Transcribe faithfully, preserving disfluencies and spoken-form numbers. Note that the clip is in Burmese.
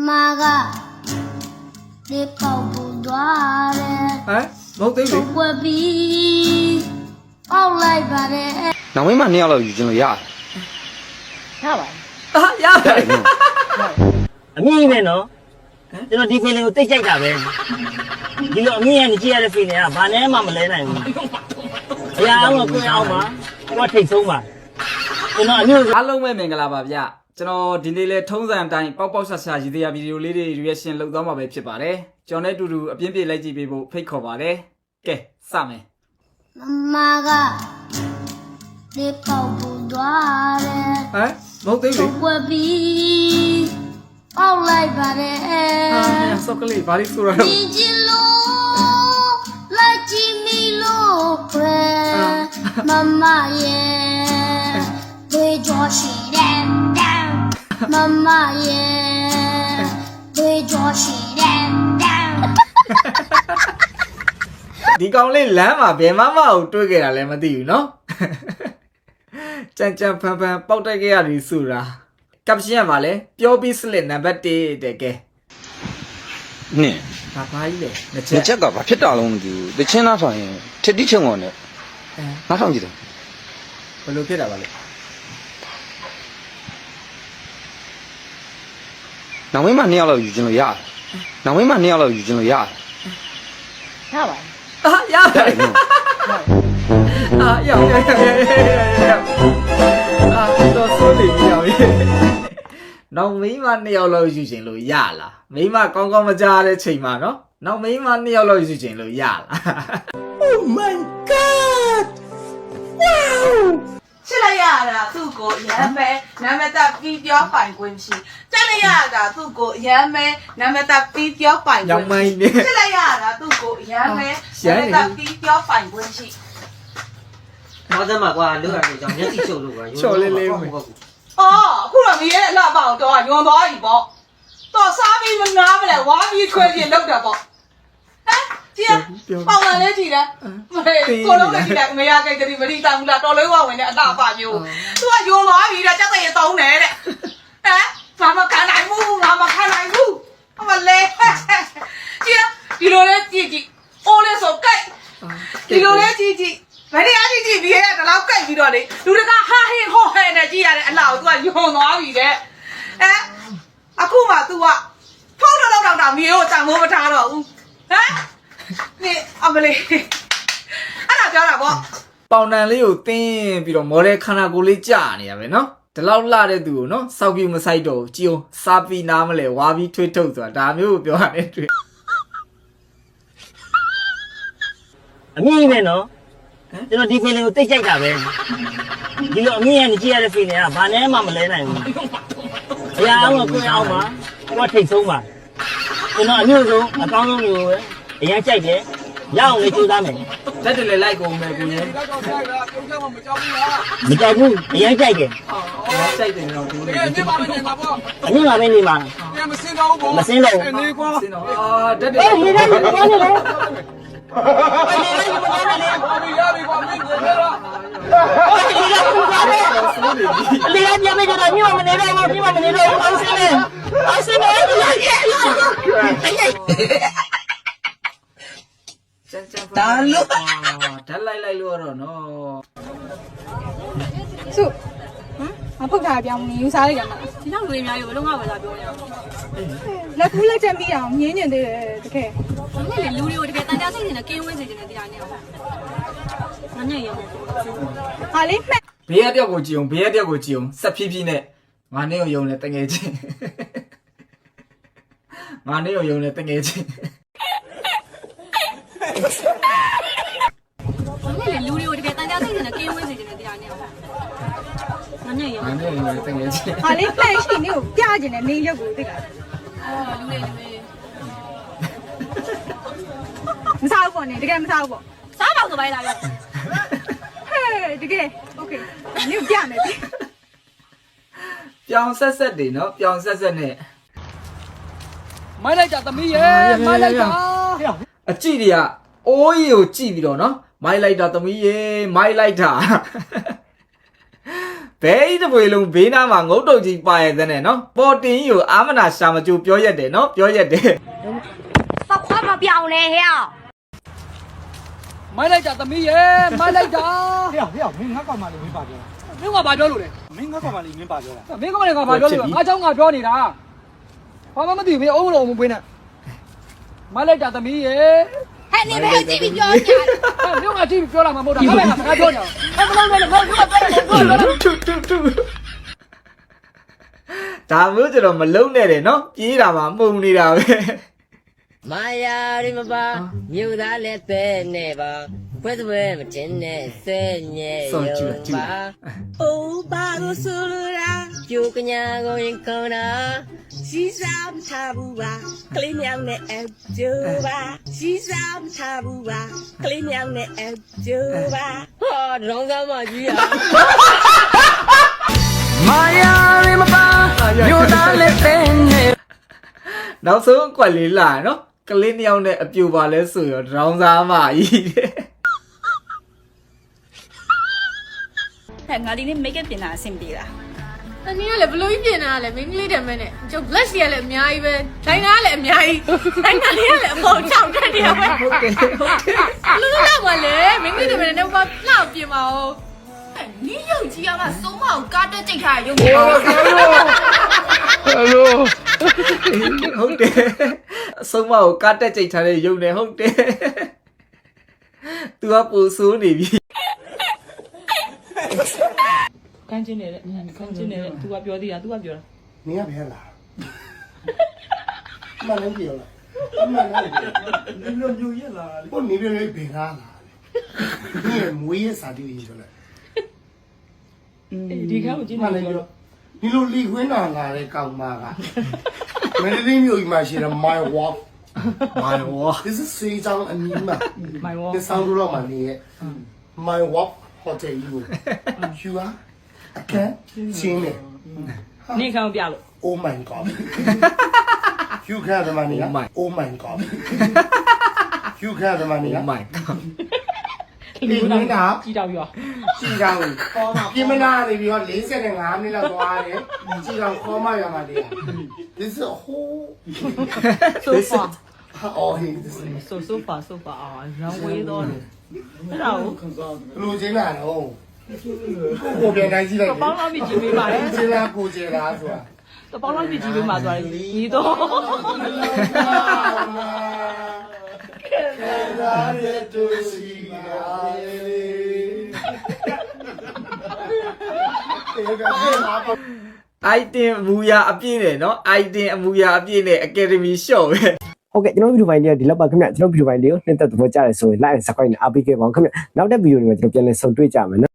Mama đi cầu bùn đoá hả một tí gì qua bi ông lại bà đẻ nào mấy mà neo là gì chứ ya sao vậy à dạ vậy à mi này nó cho nó đi phê lên tích chạy cả về đi lộ mi này chia ra phê này à bà này mà mà lấy này ya ông là cô ông mà qua thịt sống mà cho nó như အားလုံးပဲမင်္ဂလာပါဗျကျွန်တော်ဒီနေ့လဲထုံးစံအတိုင်းပေါက်ပေါက်ဆဆရည်တရားဗီဒီယိုလေးတွေ reaction လုပ်သွားမှာပဲဖြစ်ပါတယ်ကျွန်တော်နဲ့အတူတူအပြင်းပြေးလိုက်ကြည့်ပေးဖို့ဖိတ်ခေါ်ပါတယ်ကဲစမယ် Mama đi cầu bùn đoá ဟမ်မဟုတ်သေးဘူး qua bi ông lại bà đẻ အာဆော့ကလေးဘာလို့ဆိုရတော့ đi chi lô lại chi mi lô quê Mama yeah để cho chị đen đen Mama yeah để cho chị đen đen ဒီကောင်လေးလမ်းမှာဘယ်မှမအောင်တွေ့ခဲ့တာလည်းမသိဘူးเนาะကြံကြံဖန်ဖန်ပေါက်တက်ခဲ့ရတယ်ဆိုတာကပ်ရှင်ကပါလေပြောပြီးစလစ်နံပါတ်တစ်တဲ့ကဲနင်ဘာဘာကြီးလဲနှစ်ချဒီက်ချက်ကဘာဖြစ်တာလုံးမသိဘူးတချင်းသားဆိုရင်ထစ်တိချုံကုန်နဲ့အဲနောက်ဆောင်ကြည့်တယ်ဘယ်လိုဖြစ်တာပါလဲနောက်မင်းမနှစ်ယောက်လောက်ယူခြင်းလို့ရတယ်နောက်မင်းမနှစ်ယောက်လောက်ယူခြင်းလို့ရတယ် sao vậy အာရတယ်အာရောက်ရောက်ရောက်ရောက်အာတော့ဆိုနေပြီရောက်နောက်မိန်းမနှစ်ယောက်လောက်ယူခြင်းလို့ရလားမိန်းမကောင်းကောင်းမကြားတဲ့ချိန်မှာနော်နောက်မိန်းမနှစ်ယောက်လောက်ယူခြင်းလို့ရလား Oh my god! Wow! ချစ်လိုက်ရတာသူ့ကိုရမ်းပဲနာမည်တပ်ပြီးပြောပိုင်ခွင့်ရှိကြက်လိုက်ရတာသူ့ကိုရမ်းပဲနာမည်တပ်ပြီးပြောပိုင်ခွရောင့်င်မိုင်းနေချစ်လိုက်ရတာသူ့ကိုရမ်းပဲနာမည်တပ်ပြီးပြောပိုင်ခွင့်ရှိ nói thật mà qua lúc này chẳng nhất thì chịu được rồi ချော်လေးလေးမယ်အော်အခုတော့မရဲအလှပအောင်တော့ညွန်သွားပြီပေါ့တော့စားပြီးမနာမလဲဝါပြီးခွဲပြလောက်တာပေါ့ဟမ်ကြည့်ပေါင်လာလဲကြည့်တယ်မလေးကိုလုံးလည်းကြည့်တယ်မရကြိတ်တည်းမတိတောင်းလားတော်လေးဝဝင်တဲ့အလှပမျိုးသူကညွန်သွားပြီတဲ့ကြက်တဲ့တုံးတယ်တဲ့ဟမ်ငါမခံနိုင်ဘူးငါမခံနိုင်ဘူးအမလေးကြည့်ဒီလိုလဲကြည့်ကြည့်အိုးလေးဆိုကြိုက်ဒီလိုလဲကြည့်ကြည့်ဘယ်နေရာကြည့်ကြည့်ဒီရဲ့တော့ကြိုက်ပြီးတော့လေလူတကဟာဟင်းဟောဟဲနဲ့ကြည့်ရတဲ့အလှကို तू ကယွန်သွားပြီတဲ့ဟမ်အခုမှ तू ကဖုန်းတော့တော့တော့မြေကိုတန်မိုးမထားတော့ဘူးဟမ်နေအမလေးအဲ့ဒါပြောတာပေါ့ပေါင်တန်လေးကိုတင်းပြီးတော့မော်ဒယ်ခန္ဓာကိုယ်လေးကြာနေရပဲနော်ဒီလောက်လှတဲ့သူကိုနော်စောက်ပြူမဆိုင်တော့ကြည်အောင်စားပြီးနားမလဲဝါပြီးထွေးထုတ်ဆိုတာဒါမျိုးကိုပြောရတယ်တွေ့ à mi này nó cho nó đi phê lên tích chạy cả về đi lộ mi này chia ra phê này à bà này mà mà lấy này ya ông là cô ông mà qua thịt sống mà cho nó như rồi à con nó nhiều ấy ya chạy thế ya ông lấy chui ra mày တက်တယ်လေလိုက်ကုန်မယ်ကိုကြီး mình chạy vui ya chạy kìa စိုက်တယ်တော့ကိုကြီး à nhưng mà bên này mà mà xin đâu စင်တော့အာတက်တယ် ê đi ra đi ra đi ra đi ra nhà bây giờ là như mà mình đi đâu như mà mình đi đâu ông xin đi ông xin đi đi ra nhà စမ်းစမ်းတာလို့ဓာတ်လိုက်လိုက်လို့တော့နော်စုဟမ်မဖုတ်တာပြောင်းနေယူစားလိုက်ရမှာဒီလောက်လူတွေအများကြီးဘယ်လုံးကပဲလာပြောနေအောင်လက်ကူးလက်ချက်ပြီးအောင်ငင်းညင်သေးတယ်တကယ်။ဘာလဲလူတွေကိုတကယ်တန်ကြားစိတ်နေတာကင်းဝင်းစေချင်တဲ့တရားနဲ့အောင်။မနဲ့ရမယ်ဟာလေးမှက်ဘေးရတယောက်ကိုကြည်အောင်ဘေးရတယောက်ကိုကြည်အောင်ဆက်ဖြည်းဖြည်းနဲ့ငါနဲ့ရုံနဲ့တငယ်ချင်းငါနဲ့ရုံနဲ့တငယ်ချင်း။ဘာလဲလူတွေကိုတကယ်တန်ကြားစိတ်နေတာကင်းဝင်းစေချင်တဲ့တရားနဲ့အောင်။မနဲ့ရငါမယ်နဲ့ရုံနဲ့တငယ်ချင်းဟာလေးမှက်ရှိနေကိုပြကျင်တယ်နေရုပ်ကိုသိလား။အော်လူတွေလူတွေမစားဘူးပေါ့နေတကယ်မစားဘူးပေါ့စားတော့ဆိုပိုင်းလာရောဟဲ့တကယ်โอเคနေကိုပြမယ်ပြီပြောင်ဆက်ဆက်တွေနော်ပြောင်ဆက်ဆက်နဲ့မိုင်းလိုက်တာသမီးရဲ့မိုင်းလိုက်တာအကြည့်တွေကအိုးကြီးကိုကြည့်ပြီးတော့နော်မိုက်လိုက်တာသမီးရေမိုက်လိုက်တာဘဲဤတစ်ပွေလုံးဘေးနားမှာငုတ်တုတ်ကြီးပါရဲ့တဲ့နဲ့နော်ပေါ်တင်ကြီးကိုအာမနာရှာမကြိုပြောရက်တယ်နော်ပြောရက်တယ်ပေါက်ခွားမပြောင်းနဲ့ဟဲ့မိုက်လိုက်တာသမီးရဲ့မိုက်လိုက်တာဟေ့ဟေ့မင်းငါကောင်မလေးမင်းပါပြောတာမင်းကဘာပြောလို့လဲမင်းငါကောင်မလေးမင်းပါပြောတာမင်းကမလည်းကဘာပြောလို့လဲငါเจ้าငါပြောနေတာဘာမှမသိဘူးမင်းအုံးလို့အုံးမပွေးနဲ့မိုက်လိုက်တာသမီးရဲ့ဟဲ့နေပဲကြည့်ပြီးပြောကြတယ်မင်းကကြည့်ပြောလာမှာမဟုတ်တာငါလည်းငါစကားပြောနေတာအဲ့မလုံးနဲ့ငါကပြောတယ်ပြောတယ်တူတူတူဒါမျိုးကျတော့မလုံးနဲ့တယ်နော်ပြေးတာမှမှုန်နေတာပဲမာယာရီမပါမြို့သားလည်းပဲနေပါဘယ်သူပဲမတင်နဲ့ဆဲညဲရုံပါအိုးဘာလို့ဆိုလိုတာကြိုကညာကိုရင်ကောင်းတာစီစားမထားဘူးပါကလေးမြောင်နဲ့အကျိုးပါစီစားမထားဘူးပါကလေးမြောင်နဲ့အကျိုးပါဟောဒေါင်းသားမကြီးရမာယာရီမပါမြို့သားလည်းပဲနေနောက်ဆုံးအကွက်လေးလာနော်ကလေးနှစ်ယောက်နဲ့အပြူပါလဲဆိုရောဒေါင်းစားမကြီးတဲ့ဟဲ့ငါဒီနေ့ make up ပြင်တာအဆင်ပြေလားတနည်းကလည်းဘလို့ကြီးပြင်တာလဲမင်းကလေးတယ်မဲနဲ့ကျုပ် blush တွေကလည်းအများကြီးပဲဒိုင်နာကလည်းအများကြီးဒိုင်နာလေးကလည်းအပေါ်ချောက်တက်နေရပဲဟုတ်တယ်ဟုတ်တယ်လူလူလောက်ပါလေမင်းကလေးတယ်မဲနဲ့ဘာလောက်ပြင်ပါဦးနီးရုပ်ကြီးကမှစုံမအောင်ကားတက်ကြိတ်ထားရုပ်ကြီးဟုတ်တယ်အဆုံးမကိုကတ်တက်ကြိတ်ထားတဲ့ရုပ်နဲ့ဟုတ်တယ် तू ကပူဆိုးနေပြီကန်းချင်းနေတဲ့ကန်းချင်းနေတဲ့ तू ကပြောသေးတာ तू ကပြောတာနင်ကဘယ်လာမလည်းပြောလားအမှန်လားဒီလိုမျိုးရလာလေကိုနေပြနေဘယ်လာလာဒီမွေးရစာတီးရင်ဆိုလဲဒီခါကိုကြည့်မှနေလည်းပြောပြောဒီလိုလီခွင်းလာလာတဲ့ကောင်မကမင်းလေးမျိုးကြီးမှရှိတယ် my walk မာရော this is စေးချောင်းအနီးမှာမိုင်ဝေါဒီဆောင်တော့မှနေရဲ့ my walk hotel ကြီးကိုယူပါအခန်းချင်းနေနေခံပြလို့ oh my god you can the money oh my god you can the money Oh my god ဒီနေ့တော့ကြည့်တော့ပြောကြည်တောင်ပြင်မနာနေပြီးတော့၄၅မိနစ်လောက်သွားတယ်ကြည်တောင်ခေါ်မရမှာတရား this is a whole so far oh he this is so so far so far အာရန်ဝေးတော့တယ်အဲ့ဒါကိုလူချင်းလာတော့ကိုပြန်တိုင်းကြည့်လိုက်ပေါင်းလောက်ပြီးကြည့်ပေးပါလေချင်းလာကိုကျေလာဆိုတာတပေါင်းလောက်ပြီးကြည့်ပေးမှာဆိုရင်ဒီတော့လာတဲ့သူစီလာလေတေကပြေးလာပါ item အမူအရာအပြည့်နဲ့နော် item အမူအရာအပြည့်နဲ့ academy shop ပဲဟုတ်ကဲ့ကျွန်တော်ဗီဒီယိုပိုင်းလေးကဒီလောက်ပါခင်ဗျကျွန်တော်ဗီဒီယိုပိုင်းလေးကိုနှိမ့်သက်သဘောကျတယ်ဆိုရင် like and subscribe နဲ့အားပေးခဲ့ပါဦးခင်ဗျနောက်တဲ့ဗီဒီယိုတွေမှာကျွန်တော်ပြန်လည်ဆုံတွေ့ကြမယ်နော်